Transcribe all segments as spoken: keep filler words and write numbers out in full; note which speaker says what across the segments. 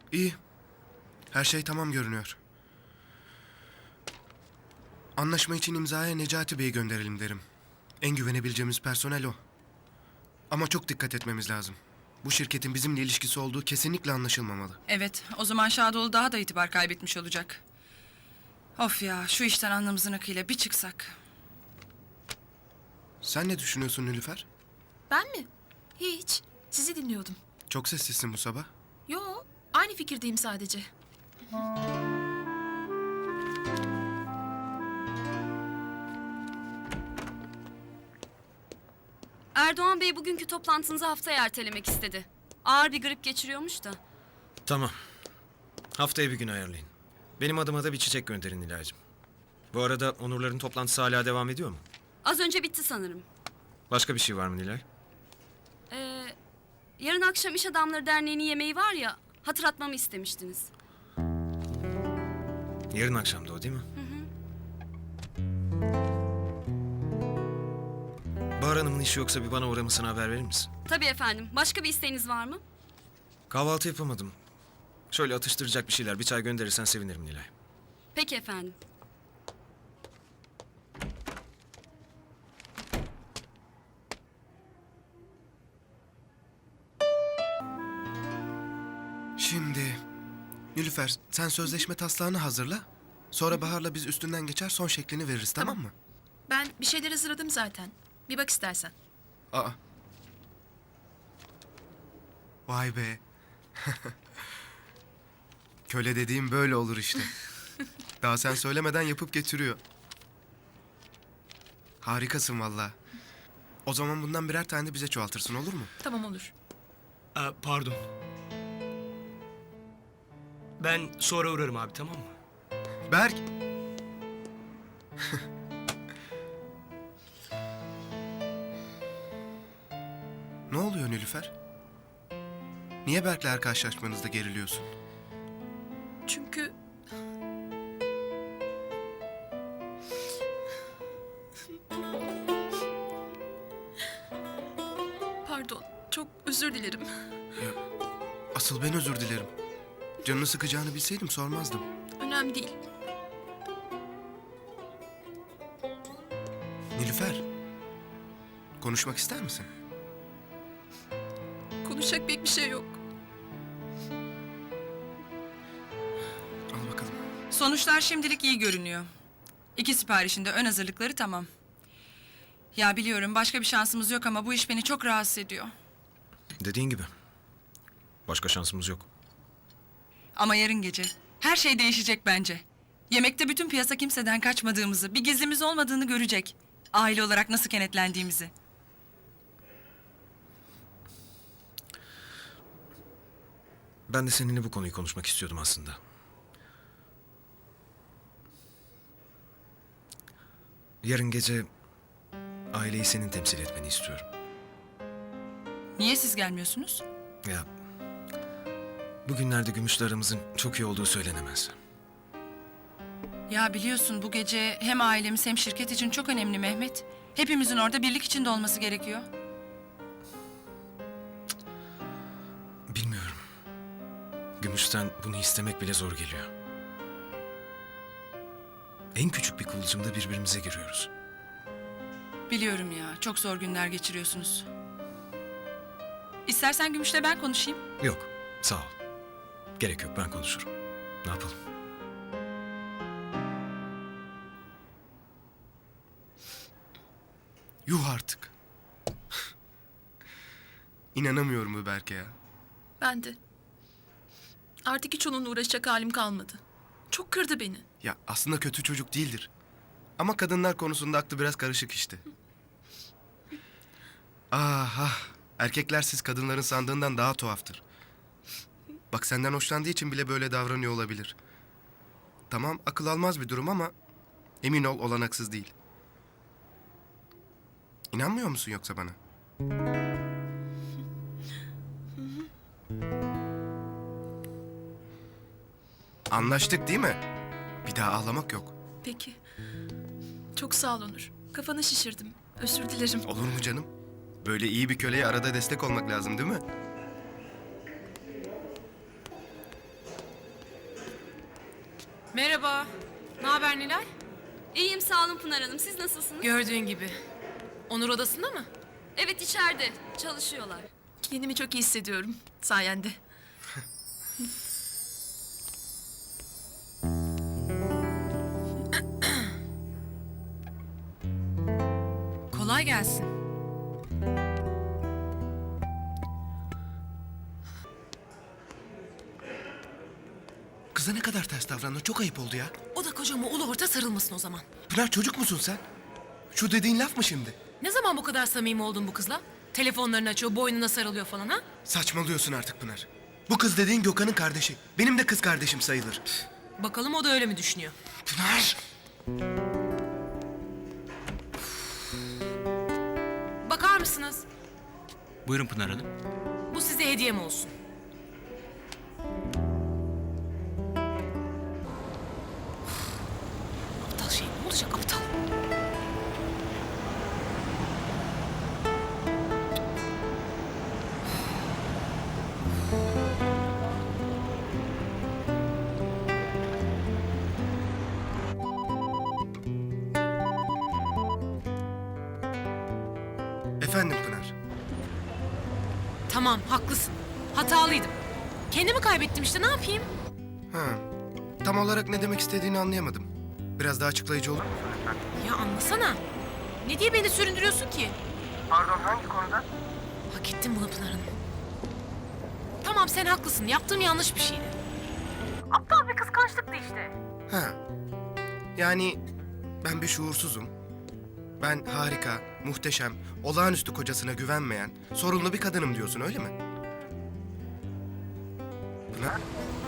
Speaker 1: İyi. Her şey tamam görünüyor. Anlaşma için imzaya Necati Bey'i gönderelim derim. En güvenebileceğimiz personel o. Ama çok dikkat etmemiz lazım. Bu şirketin bizimle ilişkisi olduğu kesinlikle anlaşılmamalı.
Speaker 2: Evet, o zaman Şadoğlu daha da itibar kaybetmiş olacak. Of ya, şu işten alnımızın akıyla bir çıksak.
Speaker 1: Sen ne düşünüyorsun Nilüfer?
Speaker 3: Ben mi? Hiç. Sizi dinliyordum.
Speaker 1: Çok sessizsin bu sabah.
Speaker 3: Yo, aynı fikirdeyim sadece.
Speaker 4: Erdoğan Bey bugünkü toplantınızı haftaya ertelemek istedi. Ağır bir grip geçiriyormuş da.
Speaker 5: Tamam. Haftaya bir gün ayarlayın. Benim adıma da bir çiçek gönderin Nilay'cığım. Bu arada Onurların toplantısı hala devam ediyor mu?
Speaker 4: Az önce bitti sanırım.
Speaker 5: Başka bir şey var mı Nilay?
Speaker 4: Ee, yarın akşam İş Adamları Derneği'nin yemeği var ya, hatırlatmamı istemiştiniz.
Speaker 5: Yarın akşam da o değil mi? Bahar Hanım'ın işi yoksa bir bana uğramasını haber verir misin?
Speaker 4: Tabii efendim. Başka bir isteğiniz var mı?
Speaker 5: Kahvaltı yapamadım. Şöyle atıştıracak bir şeyler, bir çay gönderirsen sevinirim Nilay.
Speaker 4: Peki efendim.
Speaker 1: Şimdi... Nilüfer, sen sözleşme taslağını hazırla. Sonra Bahar'la biz üstünden geçer son şeklini veririz, tamam,
Speaker 3: Tamam.
Speaker 1: mı?
Speaker 3: Ben bir şeyler hazırladım zaten. Bir bak istersen.
Speaker 1: Aa. Vay be. Köle dediğim böyle olur işte. Daha sen söylemeden yapıp getiriyor. Harikasın vallahi. O zaman bundan birer tane de bize çoğaltırsın, olur mu?
Speaker 3: Tamam olur.
Speaker 6: Aa, pardon. Ben sonra uğrarım abi, tamam mı?
Speaker 1: Berk! Ne oluyor Nilüfer? Niye Berk'le her karşılaşmanızda geriliyorsun?
Speaker 3: Çünkü... Pardon, çok özür dilerim.
Speaker 1: Ya, asıl ben özür dilerim. Canını sıkacağını bilseydim sormazdım.
Speaker 3: Önemli değil.
Speaker 1: Nilüfer, konuşmak ister misin?
Speaker 3: Konuşacak pek bir şey yok.
Speaker 1: Al bakalım.
Speaker 2: Sonuçlar şimdilik iyi görünüyor. İki siparişinde ön hazırlıkları tamam. Ya biliyorum başka bir şansımız yok ama bu iş beni çok rahatsız ediyor.
Speaker 5: Dediğin gibi. Başka şansımız yok.
Speaker 2: Ama yarın gece her şey değişecek bence. Yemekte bütün piyasa kimseden kaçmadığımızı, bir gizlimiz olmadığını görecek. Aile olarak nasıl kenetlendiğimizi.
Speaker 5: Ben de seninle bu konuyu konuşmak istiyordum aslında. Yarın gece aileyi senin temsil etmeni istiyorum.
Speaker 2: Niye siz gelmiyorsunuz?
Speaker 5: Ya bugünlerde Gümüş'le aramızın çok iyi olduğu söylenemez.
Speaker 2: Ya biliyorsun bu gece hem ailemiz hem şirket için çok önemli Mehmet. Hepimizin orada birlik içinde olması gerekiyor.
Speaker 5: Bilmiyorum. Gümüş'ten bunu istemek bile zor geliyor. En küçük bir kıvılcımda birbirimize giriyoruz.
Speaker 2: Biliyorum ya, çok zor günler geçiriyorsunuz. İstersen Gümüş'le ben konuşayım.
Speaker 5: Yok, sağ ol. Gerek yok, ben konuşurum. Ne yapalım?
Speaker 1: Yuh artık. İnanamıyorum bu Berk'e ya.
Speaker 3: Ben de. Artık hiç onunla uğraşacak halim kalmadı. Çok kırdı beni.
Speaker 1: Ya aslında kötü çocuk değildir. Ama kadınlar konusunda aklı biraz karışık işte. Ah ah. Erkekler siz kadınların sandığından daha tuhaftır. Bak senden hoşlandığı için bile böyle davranıyor olabilir. Tamam akıl almaz bir durum ama emin ol olanaksız değil. İnanmıyor musun yoksa bana? Anlaştık değil mi? Bir daha ağlamak yok.
Speaker 3: Peki. Çok sağ ol Onur. Kafanı şişirdim. Özür dilerim.
Speaker 1: Olur mu canım? Böyle iyi bir köleye arada destek olmak lazım değil mi?
Speaker 7: Merhaba. Ne haber Nilay?
Speaker 4: İyiyim sağ olun Pınar Hanım. Siz nasılsınız?
Speaker 7: Gördüğün gibi. Onur odasında mı?
Speaker 4: Evet içeride. Çalışıyorlar.
Speaker 3: Kendimi çok iyi hissediyorum sayende.
Speaker 7: Kolay gelsin.
Speaker 1: Kıza ne kadar ters davrandın, çok ayıp oldu ya.
Speaker 7: O da kocama ulu orta sarılmasın o zaman.
Speaker 1: Pınar, çocuk musun sen? Şu dediğin laf mı şimdi?
Speaker 7: Ne zaman bu kadar samimi oldun bu kızla? Telefonlarını açıyor, boynuna sarılıyor falan ha?
Speaker 1: Saçmalıyorsun artık Pınar. Bu kız dediğin Gökhan'ın kardeşi. Benim de kız kardeşim sayılır.
Speaker 7: Bakalım o da öyle mi düşünüyor?
Speaker 1: Pınar!
Speaker 7: Bakar mısınız?
Speaker 6: Buyurun Pınar Hanım.
Speaker 7: Bu size hediyem olsun. Aptal şey ne olacak aptal?
Speaker 1: Efendim Pınar.
Speaker 7: Tamam haklısın. Hatalıydım. Kendimi kaybettim işte ne yapayım?
Speaker 1: Ha, tam olarak ne demek istediğini anlayamadım. Biraz daha açıklayıcı olur mu?
Speaker 7: Ya anlasana. Ne diye beni süründürüyorsun ki?
Speaker 1: Pardon, hangi konuda?
Speaker 7: Hak ettim bunu Pınar Hanım. Tamam sen haklısın. Yaptığım yanlış bir şeydi. Aptal bir kıskançlıktı işte.
Speaker 1: Ha, yani ben bir şuursuzum. Ben harika, muhteşem, olağanüstü kocasına güvenmeyen, sorunlu bir kadınım diyorsun, öyle mi? Pınar?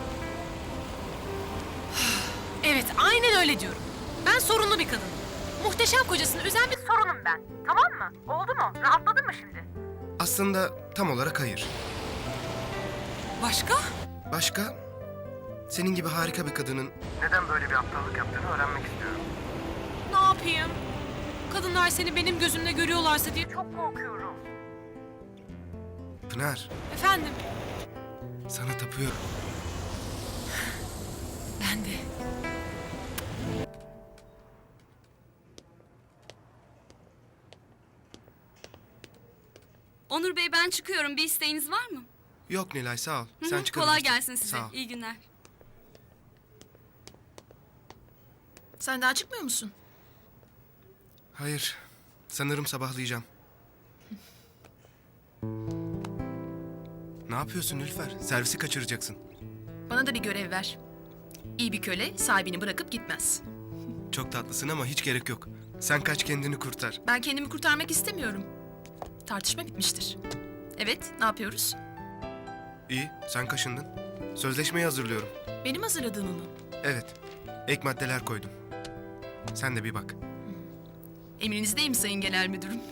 Speaker 7: Evet aynen öyle diyorum. Ben sorunlu bir kadınım. Muhteşem kocasını üzen bir sorunum ben. Tamam mı? Oldu mu? Rahatladın mı şimdi?
Speaker 1: Aslında tam olarak hayır.
Speaker 7: Başka?
Speaker 1: Başka? Senin gibi harika bir kadının neden böyle bir aptallık yaptığını öğrenmek istiyorum.
Speaker 7: Ne yapayım? Kadınlar seni benim gözümle görüyorlarsa diye çok korkuyorum.
Speaker 1: Pınar,
Speaker 7: Efendim?
Speaker 1: sana tapıyorum.
Speaker 7: Ben de.
Speaker 4: Onur Bey ben çıkıyorum. Bir isteğiniz var mı?
Speaker 1: Yok Nilay, sağ ol.
Speaker 4: Hı hı,
Speaker 1: Sen çıkabilirsin.
Speaker 4: kolay gelsin size.
Speaker 1: Sağ ol.
Speaker 4: İyi günler.
Speaker 3: Sen daha çıkmıyor musun?
Speaker 1: Hayır, sanırım sabahlayacağım. Ne yapıyorsun Nilüfer? Servisi kaçıracaksın.
Speaker 3: Bana da bir görev ver. İyi bir köle sahibini bırakıp gitmez.
Speaker 1: Çok tatlısın ama hiç gerek yok. Sen kaç, kendini kurtar.
Speaker 3: Ben kendimi kurtarmak istemiyorum. Tartışma bitmiştir. Evet, ne yapıyoruz?
Speaker 1: İyi, sen kaşındın. Sözleşmeyi hazırlıyorum.
Speaker 3: Benim hazırladığımı mı?
Speaker 1: Evet, ek maddeler koydum. Sen de bir bak.
Speaker 3: Emrinizdeyim Sayın Genel Müdürüm.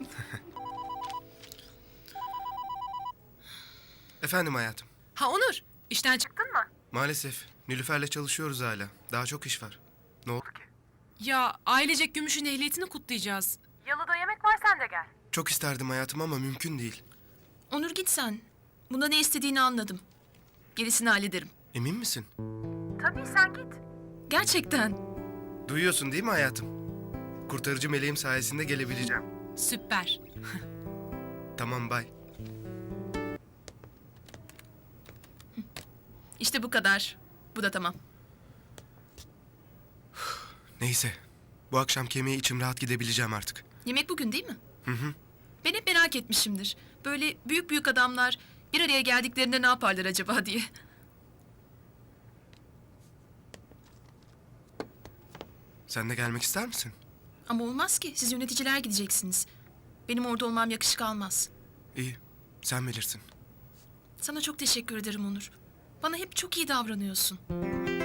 Speaker 1: Efendim hayatım.
Speaker 7: Ha Onur, işten çıktın mı?
Speaker 1: Maalesef Nilüfer'le çalışıyoruz hala. Daha çok iş var. Ne oldu ki?
Speaker 7: Ya ailecek Gümüş'ün ehliyetini kutlayacağız. Yalıda yemek var sen de gel.
Speaker 1: Çok isterdim hayatım ama mümkün değil.
Speaker 3: Onur git sen. Bunda ne istediğini anladım. Gerisini hallederim.
Speaker 1: Emin misin?
Speaker 7: Tabii sen git.
Speaker 3: Gerçekten.
Speaker 1: Duyuyorsun değil mi hayatım? Kurtarıcı meleğim sayesinde gelebileceğim.
Speaker 7: Süper.
Speaker 1: Tamam, bay.
Speaker 3: İşte bu kadar. Bu da tamam.
Speaker 1: Neyse. Bu akşam kemiğe içim rahat gidebileceğim artık.
Speaker 3: Yemek bugün değil mi?
Speaker 1: Hı hı.
Speaker 3: Ben hep merak etmişimdir. Böyle büyük büyük adamlar bir araya geldiklerinde ne yaparlar acaba diye.
Speaker 1: Sen de gelmek ister misin?
Speaker 3: Ama olmaz ki. Siz yöneticiler gideceksiniz. Benim orada olmam yakışık almaz.
Speaker 1: İyi. Sen bilirsin.
Speaker 3: Sana çok teşekkür ederim Onur. Bana hep çok iyi davranıyorsun.